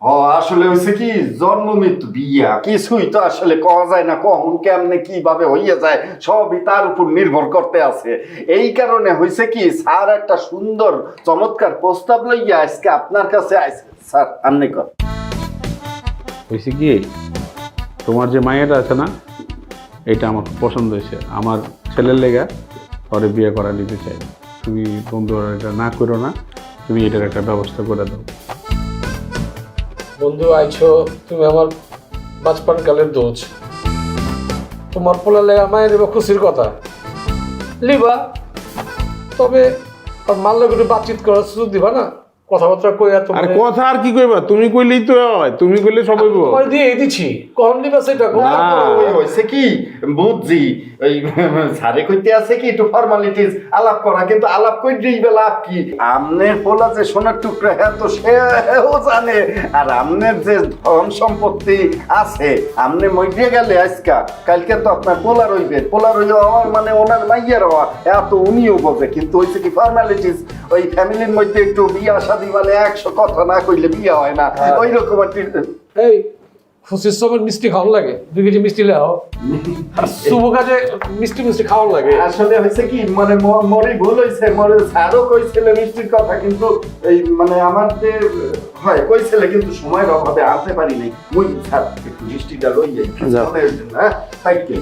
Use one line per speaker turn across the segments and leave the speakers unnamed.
আসলে হয়েছে কি, জন্ম মৃত্যু বিয়া কিছুই তো আসলে কওয়া যায় না, কখন কেমনে কিভাবে হইয়া যায় সবই তার উপর নির্ভর করতে আছে। এই কারণে হয়েছে কি, স্যার একটা সুন্দর চমৎকার প্রস্তাব লইয়া আজকে আপনার কাছে আইছে। স্যার আপনি কর।
হয়েছে কি, তোমার যে মায়েরা আছে না, এটা আমার খুব পছন্দ হয়েছে। আমার ছেলের লেগা পরে বিয়ে করা নিতে চাই। তুমি বন্ধুরা এটা না করো না, তুমি এটার একটা ব্যবস্থা করে দাও।
বন্ধু আইছো, তুমি আমার বাচপান কালের দোষ। তোমার পোলা লেগা মায়ের নিবা খুশির কথা লিবা, তবে আর মাল্লা একটু বাতচিত করার সুযোগ দিবা না, কথাবার্তা কইয়া
আর
তোমার
কথা আর কি কইবা, তুমি কইলেই তো হয়, তুমি কইলে সব হইব।
তোমার দিয়ে দিছি, কখন দিবা সেটা
হয়েছে কি বুঝছি, ওই স্যারে কইতে আছে কি একটু ফর্মালিটিস আলাপ করা, কিন্তু আলাপ কইতেই বা লাভ কি? আমনের পোলা যে সোনার টুকরা, হ্যাঁ তো সেও জানে। আর আমনের যে ধন সম্পত্তি আছে, আমনে মইরে গেলে আজকা কালকে তো আপনার পোলা রইবে, পোলা রইলে হওয়ার মানে ওনার মাইয়ার হওয়া, এত উনিও বোঝে। কিন্তু হয়েছে কি ফর্মালিটিস, ওই ফ্যামিলির মধ্যে একটু বিয়া শাদী মানে 100 কথা না কইলে বিয়া হয় না, ওই রকম আর কি।
এই খুশির সময় মিষ্টি খাওয়ার লাগে, 2 কেজি মিষ্টি লেও। আর শুভ কাজে মিষ্টি মিষ্টি খাওয়ার লাগে।
আসলে হয়েছে কি, মানে মরে ভুল হয়েছে, মরে স্যারও কইছিল মিষ্টির কথা, কিন্তু এই মানে আমার যে হয় কইছিল, কিন্তু সময়ের অভাবে আনতে পারি নাই। মুই স্যার একটু মিষ্টিটা লই যাই, হ্যাঁ তাই কি।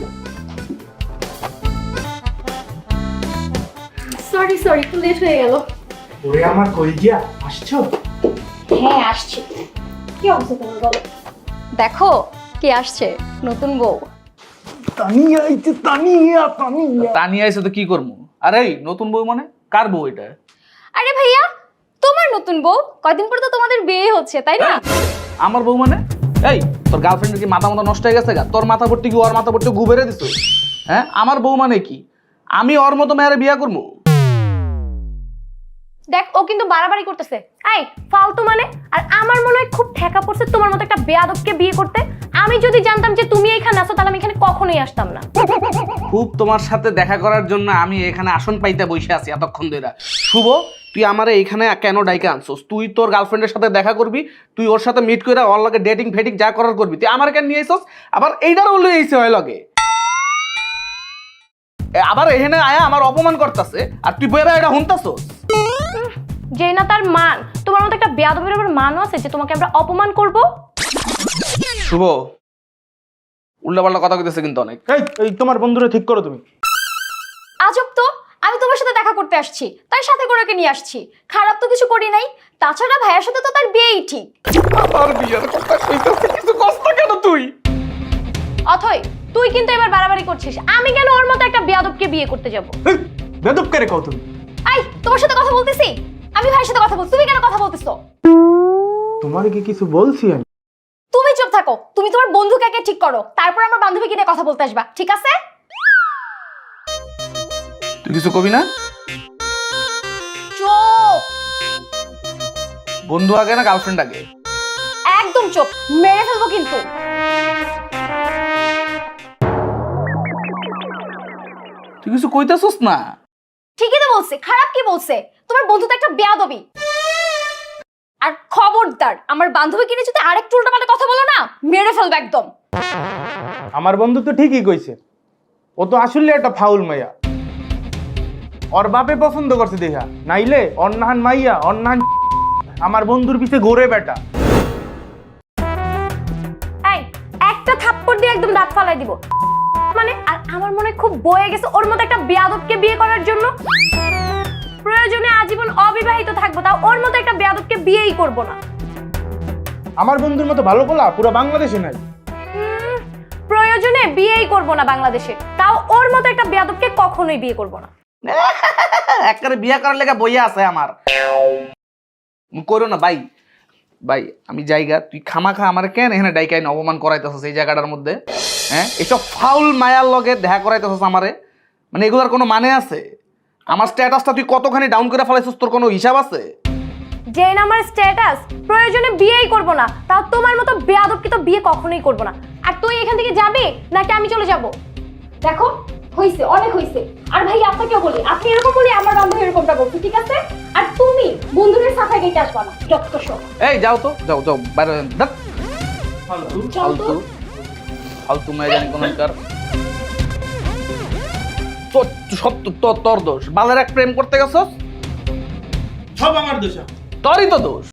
সরি একটু লেট হয়ে গেল।
ওরে আমার কই গিয়া আসছো?
হ্যাঁ আসছি। কি অবস্থা তোমার বলো? দেখো কে আসছে, নতুন বউ।
তানিয়া আইছে, তানিয়া তানিয়া।
তানিয়া এসে তো কি করবো? আরে এই নতুন বউ মানে কার বউ এটা?
আরে ভাইয়া, তোমার নতুন বউ। কয়দিন পরে তো তোমাদের বিয়ে হচ্ছে, তাই না?
আমার বউ মানে? এই তোর গার্লফ্রেন্ডের কি মাথা নষ্ট হয়ে গেছে গা? তোর মাথা ভর্তি কি ওর মাথা ভর্তি গু বেড়ে দিস? হ্যাঁ, আমার বউ মানে কি? আমি ওর মতো মেয়েরে বিয়ে করবো?
দেখ, ও কিন্তু বাড়াবাড়ি করতেছে। এই ফালতু মানে। আর আমার মনে হয় খুব ঠেকা পড়ছে তোমার মতো একটা বেয়াদবকে বিয়ে করতে। আমি যদি জানতাম যে তুমি এখানে আসো, তাহলে আমি এখানে কখনোই আসতাম না।
খুব তোমার সাথে দেখা করার জন্য আমি এখানে আসন পাইতে বসে আছি এতক্ষণ ধরে। শুভ, তুই আমারে এখানে কেন ডাইকে আনছস? তুই তোর গার্লফ্রেন্ডের সাথে দেখা করবি, তুই ওর সাথে মিট করে ওর লগে ডেটিং ফেটিং যা করার করবি, তুই আমার কেন নিয়ে আইছস? আবার এইটারও লই আইছে ওই লগে, আবার এখানে আয়া আমার অপমান করতেছে, আর তুই বইরা এটা হুনতাছস।
যে না তার মান, তোমার মতো একটা বেয়াদবের আবার মানও আছে যে তোমাকে আমরা অপমান করব?
শুভ, উল্টাপাল্টা কথা কইতেছে কিন্তু অনেক।
এই তোমার বন্ধুরে ঠিক করো তুমি।
আজব তো, আমি তোমার সাথে দেখা করতে আসছি, তাই সাথে করে ওকে নিয়ে আসছি। খারাপ তো কিছু করি নাই। তাছাড়া ভাইয়ের সাথে তো তার বিয়েই ঠিক।
আর বিয়ের কথা কইতেছে, কিছু কষ্ট কেন তুই?
অথই, তুই কিন্তু এবার বাড়াবাড়ি করছিস। আমি কেন ওর মতো একটা বেয়াদবকে বিয়ে করতে যাব?
বেদব করে কও তুমি।
এই, তোমার সাথে কথা বলতেছি, আমি ভাইয়ের সাথে কথা বলছি, তুমি কেন কথা বলতেছো?
তোমার কি কিছু বলছি আমি?
তুমি চুপ থাকো। তুমি তোমার বন্ধুকে আগে ঠিক করো, তারপর আমার বান্ধবীকে নিয়ে কথা বলতে আসবা, ঠিক আছে?
তুই কিছু কবি না?
চুপ।
বন্ধু আগে না গার্লফ্রেন্ড আগে?
একদম চুপ, মেরে ফেলবো কিন্তু।
তুই কিছু কইতেছস না?
ঠিকই তো বলছে, খারাপ কি বলছে? তোমার বন্ধু তো একটা বেয়াদবি। আর খবরদার, আমার বান্ধবীকে নিয়ে যদি আরেকটু উল্টাপাল্টা কথা বলো না, মেরে ফেলবো একদম।
আমার বন্ধু তো ঠিকই কইছে, ও তো আসলে একটা ফাউল মাইয়া। ওর বাপে পছন্দ করছে দেখা, নাইলে অন্নাহান মাইয়া অন্নাহান আমার বন্ধুর পিছে ঘুরে বেটা।
এই, একটা থাপ্পড় দিয়ে একদম দাঁত ফালাই দিব মানে। আর আমার মনে খুব বয়ে গেছে ওর মতো একটা বেয়াদবকে বিয়ে করার জন্য। প্রয়োজনে আজীবন অবিবাহিত থাকবো, তাও ওর মতো একটা বেয়াদবকে বিয়েই করব না।
আমার বন্ধুর মতো ভালো পোলা পুরো বাংলাদেশে নাই।
প্রয়োজনে বিয়েই করব না বাংলাদেশে, তাও ওর মতো একটা বেয়াদবকে কখনোই বিয়ে করব না।
একবারে বিয়ে করার লেগে বইয়া আছে আমার। করো না ভাই, ভাই আমি জায়গা, তুই খামাখা আমার কেন এখানে ডাইকাইন অপমান করাইতেছস এই জায়গাটার মধ্যে? হ্যাঁ, এসব ফাউল মায়ার লগে দেখা করাইতেছস আমারে, মানে এগুলার কোনো মানে আছে? আমার স্ট্যাটাসটা তুই কতখানি ডাউন করে ফেলাইছস, তোর কোনো হিসাব আছে?
যে আমার স্ট্যাটাস, প্রয়োজনে বিয়েই করব না, তাও তোমার মতো বেয়াদবকে তো বিয়ে কখনোই করব না। আর তুই এখান থেকে যাবি নাকি আমি চলে যাব? দেখো, হইছে, অনেক হইছে। আর ভাই আপনাকেও বলি, আপনি এরকম বলি আমার বান্ধবী এরকমটা করছে, ঠিক আছে? আর তুমি বন্ধুদের সাথে গেটে আসবা না, যত সব।
এই যাও তো, যাও যাও বাইরে যান। ধ্যাৎ,
ফালতু।
ফালতু ফালতু মেয়ে জানি কোনকার। তোর সব তোর দোষ। বালের এক প্রেম করতে গেছস,
সব আমার দোষ।
তোরই তো দোষ।